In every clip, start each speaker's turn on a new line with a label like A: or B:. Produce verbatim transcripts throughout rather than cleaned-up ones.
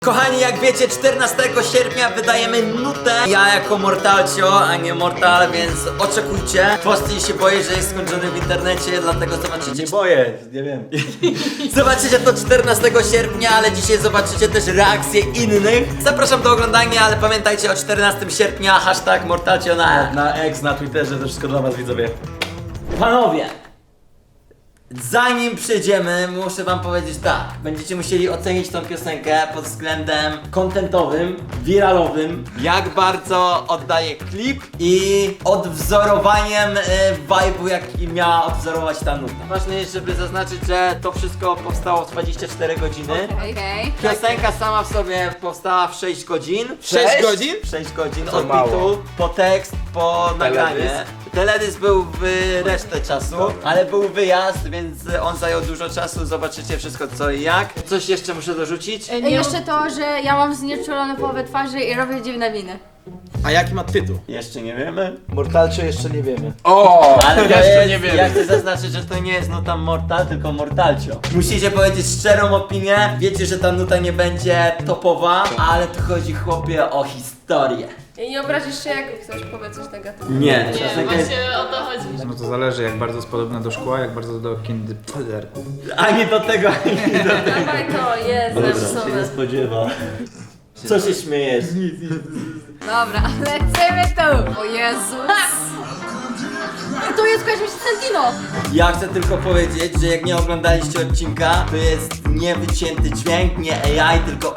A: Kochani, jak wiecie, czternastego sierpnia wydajemy nutę. Ja jako Mortalcio, a nie Mortal, więc oczekujcie. Posty się boję, że jest skończony w internecie, dlatego zobaczycie.
B: Nie boję, nie wiem.
A: Zobaczycie to czternastego sierpnia, ale dzisiaj zobaczycie też reakcje innych. Zapraszam do oglądania, ale pamiętajcie o czternastego sierpnia hashtag Mortalcio na...
B: Na X, na Twitterze, to wszystko dla was widzowie.
A: Panowie! Zanim przejdziemy, muszę wam powiedzieć tak. Będziecie musieli ocenić tą piosenkę pod względem kontentowym, wiralowym, jak bardzo oddaje klip i odwzorowaniem y, vibe'u, jaki miała odwzorować ta nuta. Ważne jest, żeby zaznaczyć, że to wszystko powstało w dwadzieścia cztery godziny.
C: Okej.
A: Piosenka sama w sobie powstała w sześć godzin.
B: sześć godzin?
A: sześć godzin
B: To
A: od
B: mało.
A: bitu, po tekst, po nagranie.
B: Teledysk?
A: Teledysk był w resztę czasu, ale był wyjazd, więc on zajął dużo czasu. Zobaczycie wszystko co i jak. Coś jeszcze muszę dorzucić?
C: I jeszcze to, że ja mam znieczulone połowę twarzy i robię dziwne miny.
B: A jaki ma tytuł?
A: Jeszcze nie wiemy.
B: Mortalcio jeszcze nie wiemy.
D: O,
A: Ale to
D: jeszcze
A: jest,
D: nie wiem.
A: ja chcę zaznaczyć, że to nie jest nuta Mortal, tylko Mortalcio. Musicie powiedzieć szczerą opinię. Wiecie, że ta nuta nie będzie topowa, ale tu chodzi, chłopie, o historię.
E: I nie obrazisz się, jak ktoś powie coś negatywnego.
A: Nie,
E: Nie,
A: piosenka jest...
E: właśnie o to chodzi.
F: No to zależy, jak bardzo jest podobna do szkła, jak bardzo do kindergartenu.
A: Ani do tego, ani do tego.
E: Dawaj to, jest zepsone.
A: spodziewa. Co się śmiejesz?
C: Dobra, lecimy tu! O Jezus! I tu jest kojarzysz Sentino!
A: Ja chcę tylko powiedzieć, że jak nie oglądaliście odcinka, to jest niewycięty dźwięk, nie A I, tylko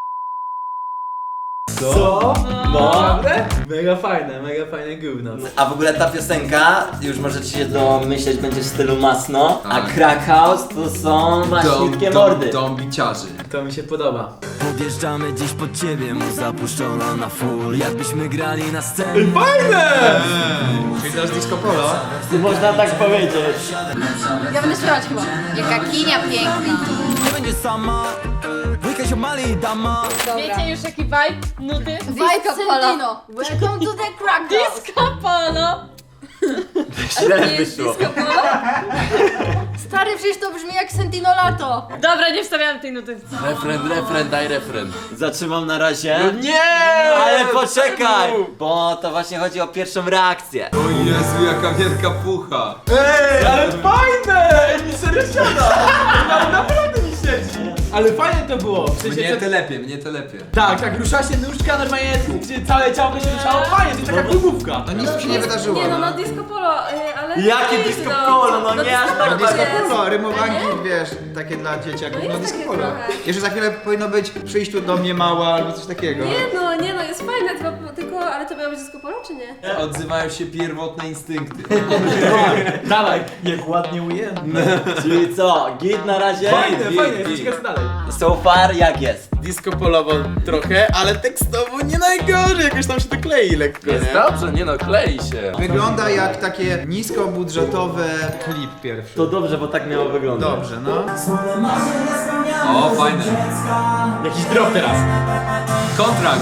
B: Co?
A: no.
B: Naprawdę? Mega fajne, mega fajne gówno.
A: A w ogóle ta piosenka, już możecie się domyśleć, będzie w stylu masno, a
D: Tak.
A: Crack House to są maśniutkie mordy.
D: Dom biciarzy.
B: To mi się podoba.
G: Podjeżdżamy dziś pod ciebie, mu zapuszczono na full, jakbyśmy grali na scenie.
F: Czyli teraz disco polo?
A: Można tak powiedzieć.
C: Ja będę śpiewać chyba. Jaka kinia piękna.
G: Nie będzie sama, wujka się mali dama.
E: Wiecie już jaki vibe nuty?
C: Vibe Sentino! Welcome to the crack house!
E: Disco polo!
A: Źle
E: Nie jest
A: wyszło.
E: disco polo?
C: Stary, przecież to brzmi jak Sentino Lato!
E: Dobra, nie wstawiam tej nuty.
D: Refren, refren, daj refren.
A: Zatrzymam na razie.
D: Nie!
A: Ale poczekaj, bo to właśnie chodzi o pierwszą reakcję.
D: O Jezu, jaka wielka pucha.
B: Ej, ale fajne! Ej, mi serio siada! Ale naprawdę mi siedzi! Ale fajne to było! W sensie,
D: Mnie
B: to...
D: telepie, mnie telepie.
B: Tak, tak, rusza się nóżka, normalnie gdzie całe ciało się ruszało, fajnie, to jest taka klubówka.
F: No nic się nie wydarzyło.
E: Nie no, no disco polo, y, ale...
A: Jakie disco polo? No nie aż tak
E: disco
A: bardzo.
E: polo.
F: Polo, rymowanki, wiesz, takie dla dzieciaków,
E: No
F: no
E: jest
F: disco
E: takie
F: polo.
E: trochę.
F: Jeszcze za chwilę powinno być przyjść tu do mnie mała albo coś takiego.
E: Nie no, nie no, jest fajne, tylko, tylko ale to miało być disco polo, czy nie?
D: Odzywają się pierwotne instynkty.
B: Dawaj, jak ładnie ujęte.
A: Czyli co, git na razie?
B: Fajne,
D: git,
B: fajne,
D: git.
B: jest ciekawe co dalej.
A: So far jak jest?
H: Disco polowo trochę, ale tekstowo nie najgorzej, jakoś tam się to klei lekko,
D: Jest
H: nie?
D: dobrze, nie no, klei się.
F: Wygląda jak takie niskobudżetowe... Klip pierwszy.
A: To dobrze, bo tak miało wyglądać.
F: Dobrze, no.
D: O, fajne.
B: Jakiś drop teraz.
D: Kontrakt.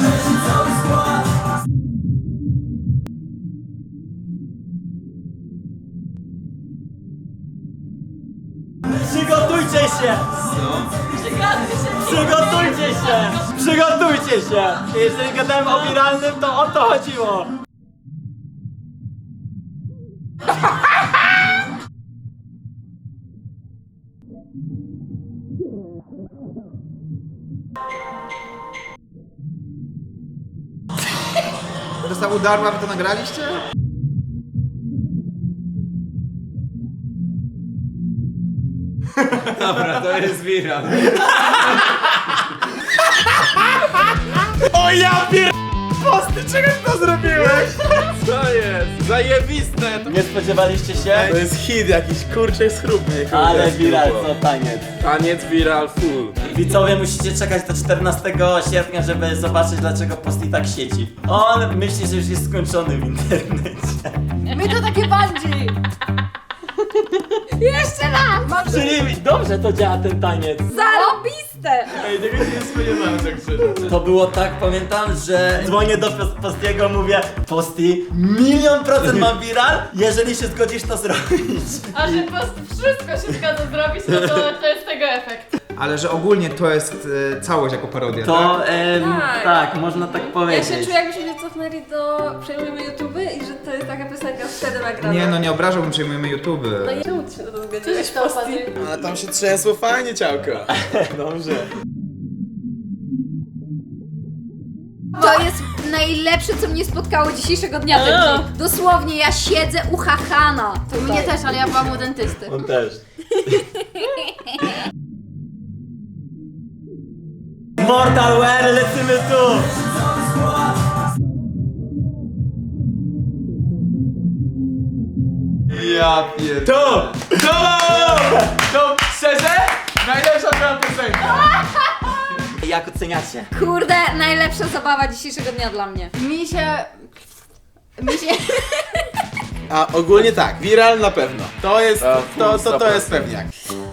A: Przygotujcie się! Przygotujcie się! Przygotujcie się! Jeżeli gadałem o wiralnym, to o to chodziło!
F: Dostał udarła, wy to nagraliście?
D: Dobra, to jest viral.
H: O ja pier... Posty, czego ty to zrobiłeś? Co jest? Zajebiste! To,
A: Nie spodziewaliście się?
H: to jest hit jakiś, kurczę, schrupny.
A: Ale viral, co taniec.
H: Taniec viral full.
A: Widzowie, musicie czekać do czternastego sierpnia, żeby zobaczyć, dlaczego Posty tak siedzi. On myśli, że już jest skończony w internecie.
C: My to takie bungee! Jeszcze raz! Mam
A: Czyli dobrze to działa ten taniec.
C: zarobiste!
H: Ej, tego się nie spodziewałem tak szczerze.
A: To było tak, pamiętam, że dzwonię do Pos- Postiego, mówię: Posty, milion procent mam viral, jeżeli się zgodzisz to zrobić.
E: A że po prostu wszystko się zgadza zrobić, no to to jest tego efekt.
F: ale że ogólnie to jest e, całość jako parodia, tak?
A: To em,
E: Tak.
A: tak, można tak
E: Ja
A: powiedzieć.
E: się czuję, jakbyśmy się cofnęli do Przejmujemy YouTube i że to jest taka piosenka wtedy nagrana.
F: Nie, no nie obrażałbym, przejmujemy YouTube.
E: No i czemu ty się na to zgodziłeś?
C: to
E: Posti?
H: Ale tam się trzęsło fajnie ciałko.
A: Dobrze.
C: To jest najlepsze, co mnie spotkało dzisiejszego dnia. Ten dzień. Dosłownie, ja siedzę uchachana. To mnie też, ale ja byłam u dentysty.
A: On też. Mortal Wear, lecimy tu!
B: Ja pier... To! To! To szczerze? Najlepsza twoja piosenka.
A: Jak oceniacie?
C: Kurde, najlepsza zabawa dzisiejszego dnia dla mnie. Mi się... Mi się...
H: A ogólnie tak, viral na pewno. To jest, to, to, to jest pewniak.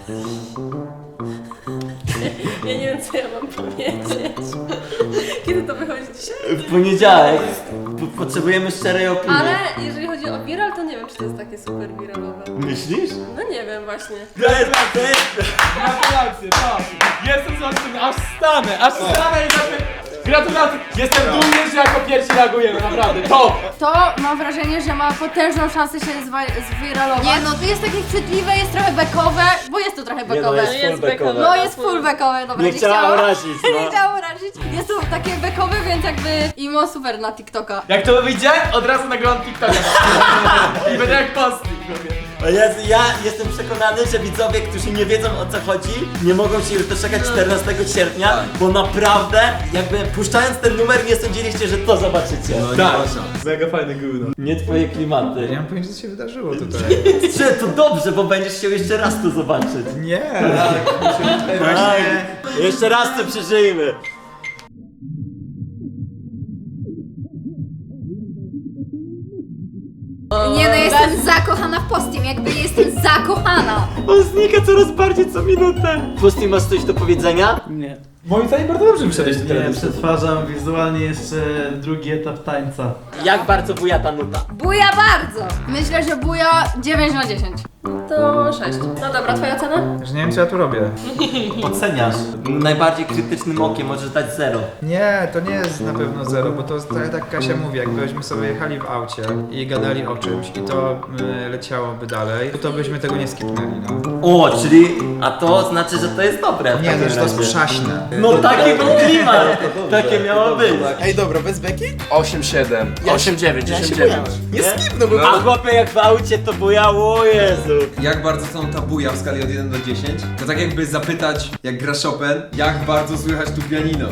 E: Ja nie wiem, co ja mam powiedzieć. Kiedy to wychodzi dzisiaj?
A: W poniedziałek po- potrzebujemy szczerej opinii.
E: Ale jeżeli chodzi o viral, to nie wiem, czy to jest takie super viralowe.
A: Myślisz?
E: No nie wiem właśnie.
B: Gratulacje, gratulacje, tak. Jestem za tym, aż stanę, aż stanę i za tym. Gratulacje. Jestem dumny, że jako pierwsi reagujemy, naprawdę. Top!
C: To mam wrażenie, że ma potężną szansę się zwa- zwiralować. Nie no, to jest takie chwytliwe, jest trochę bekowe, bo jest to trochę bekowe.
A: jest full
E: Jest
A: backowe.
E: backowe.
C: No jest full bekowe, dobra,
A: Nie chciała
C: chciałam-
A: urazić, no.
C: Nie chciałam urazić. Jest to takie bekowe, więc jakby imo super na TikToka.
B: Jak to wyjdzie, od razu nagrywam TikToka. I będę jak postnik.
A: O Jezu, ja jestem przekonany, że widzowie, którzy nie wiedzą o co chodzi, nie mogą się już doczekać czternastego sierpnia, bo naprawdę, jakby puszczając ten numer, nie sądziliście, że to zobaczycie.
B: Tak, mega fajny gówno.
A: Nie twoje klimaty.
F: Ja nie mam pojęcia, co się wydarzyło tutaj.
A: Czy to dobrze, bo będziesz chciał jeszcze raz to zobaczyć.
F: Nie!
A: Tak. Jeszcze raz to przeżyjmy.
C: Nie no, jestem zakochana w Postim, jakby jestem zakochana.
A: On znika coraz bardziej co minutę. Pusty, masz coś do powiedzenia?
I: Nie.
B: Moim zdaniem bardzo dobrze wyszedłeś do
I: Nie,
B: teledyski.
I: przetwarzam wizualnie jeszcze drugi etap tańca.
A: Jak bardzo buja ta nuta?
C: Buja bardzo. Myślę, że buja dziewięć na dziesięć.
E: To sześć. No dobra, twoja ocena?
F: Że nie wiem, co ja tu robię.
A: Oceniasz. Najbardziej krytycznym okiem możesz dać zero.
F: Nie, to nie jest na pewno zero, bo to jest tak jak Kasia mówi, jakbyśmy sobie jechali w aucie i gadali o czymś i to y, leciałoby dalej, to byśmy tego nie skipnęli, no.
A: O, czyli, a to znaczy, że to jest dobre. w
F: Nie,
A: takim
F: znaczy to jest
A: razie.
F: przaśne.
A: No taki był klimat. Takie miało być.
H: Ej dobra, bez beki?
D: osiem siedem. osiem dziewięć,
H: Ja się
D: dziesięć
H: bujam.
D: dziewięć.
H: Nie skipnę, bo...
A: A chłopie jak w aucie to bujało, o Jezu.
J: Jak bardzo są ta buja w skali od jeden do dziesięciu? To tak jakby zapytać, jak gra Chopin, jak bardzo słychać tu pianino.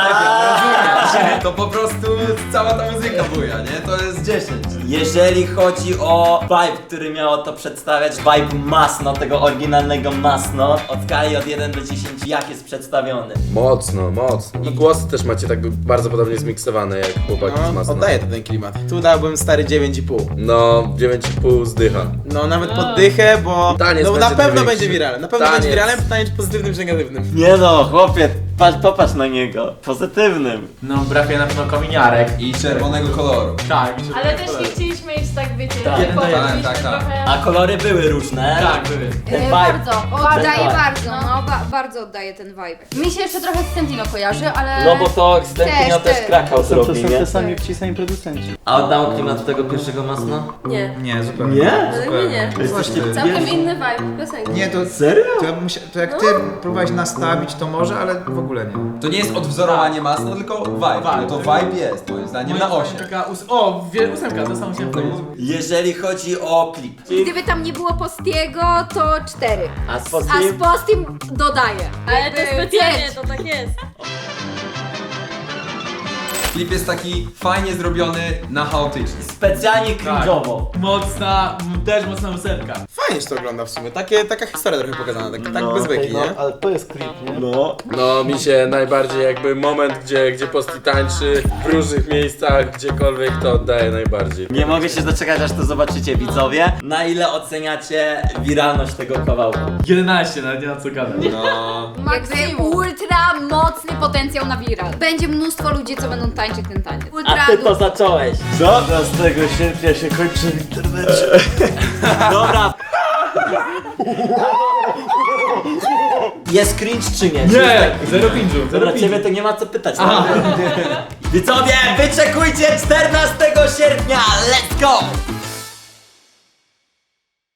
J: Rozumiesz? To po prostu cała ta muzyka buja, nie? To jest dziesięć.
A: Jeżeli chodzi o vibe, który miało to przedstawiać, vibe masno, tego oryginalnego masno, od skali od jeden do dziesięciu, jak jest przedstawiony?
D: Mocno, mocno. I głosy też macie tak bardzo podobnie zmiksowane jak chłopaki z
H: No,
D: Masna.
H: oddaję to ten klimat. Tu dałbym stary dziewięć i pół.
D: No, dziewięć i pół zdycha.
H: No nawet poddychę, bo
D: Taniec
H: no, na
D: będzie
H: pewno
D: największy.
H: będzie viralem. Na pewno
D: Taniec.
H: będzie viralem, pytanie czy pozytywnym czy negatywnym.
A: Nie no, chłopie, patrz, popatrz na niego. Pozytywnym.
B: No, brakuje na pewno kominiarek.
J: I czerwonego koloru.
B: Tak.
E: Ale też nie chcieliśmy iść tak, wiecie,
A: Tak.
E: tak,
J: Tak, tak, tak.
A: A kolory były różne.
B: Tak, były.
A: Ten
C: E,
A: vibe.
C: bardzo, oddaję
A: vibe.
C: bardzo, no ba bardzo oddaję ten vibe. Mi się jeszcze trochę Stentino kojarzy, ale...
A: No bo to Stentino też,
C: też.
A: Krakał
I: To
A: zrobił,
I: są
A: nie?
I: te sami wcisani producenci.
A: A oddało klimat tego pierwszego masna?
E: Nie.
F: Nie, zupełnie.
A: Nie?
E: Ale nie, nie.
F: Właśnie.
E: Całkiem inny vibe piosenki.
F: Nie, to...
A: Serio?
F: To, ja bym się, to jak ty próbowałeś nastawić, to może, ale w ogóle nie.
J: To nie jest odwzorowanie Masna, tylko vibe.
B: Vibe.
J: To vibe jest, moim zdaniem, na osiem.
B: Taka ós- o, wie, ósemka, to samo się powiedzieć.
A: Jeżeli chodzi o klip.
C: Gdyby tam nie było Postiego, to cztery.
A: A z
C: A
A: Postim?
C: z Postim dodaję.
E: Ale to
C: Jakby
E: specjalnie,
C: pięć.
E: to tak jest.
J: Klip jest taki fajnie zrobiony na chaotyczny.
A: Specjalnie cringe'owo.
B: Mocna, m, też mocna ósemka.
H: Fajnie się to ogląda w sumie. Takie, taka historia trochę pokazana, tak, tak
A: No,
H: bez beki,
I: No,
H: nie?
I: ale to jest klip, nie?
A: No.
D: No, mi się najbardziej jakby moment, gdzie, gdzie Posti tańczy w różnych miejscach, gdziekolwiek, to oddaje najbardziej.
A: Nie mogę się doczekać, aż to zobaczycie, widzowie. Na ile oceniacie wiralność tego kawałku?
B: jedenaście, nawet nie ma co gadać.
J: No...
C: Jakby ultra mocny potencjał na viral. Będzie mnóstwo ludzi, co będą tańczyć ten taniec. Ultra
A: A ty to
C: du-
A: zacząłeś. Co?
I: piętnastego sierpnia się kończy w internecie.
A: Dobra. Jest cringe czy nie?
B: Nie, zero pinżu, zero
A: Dla
B: pinżu.
A: ciebie to nie ma co pytać. No. Widzowie, wyczekujcie czternastego sierpnia, let's go!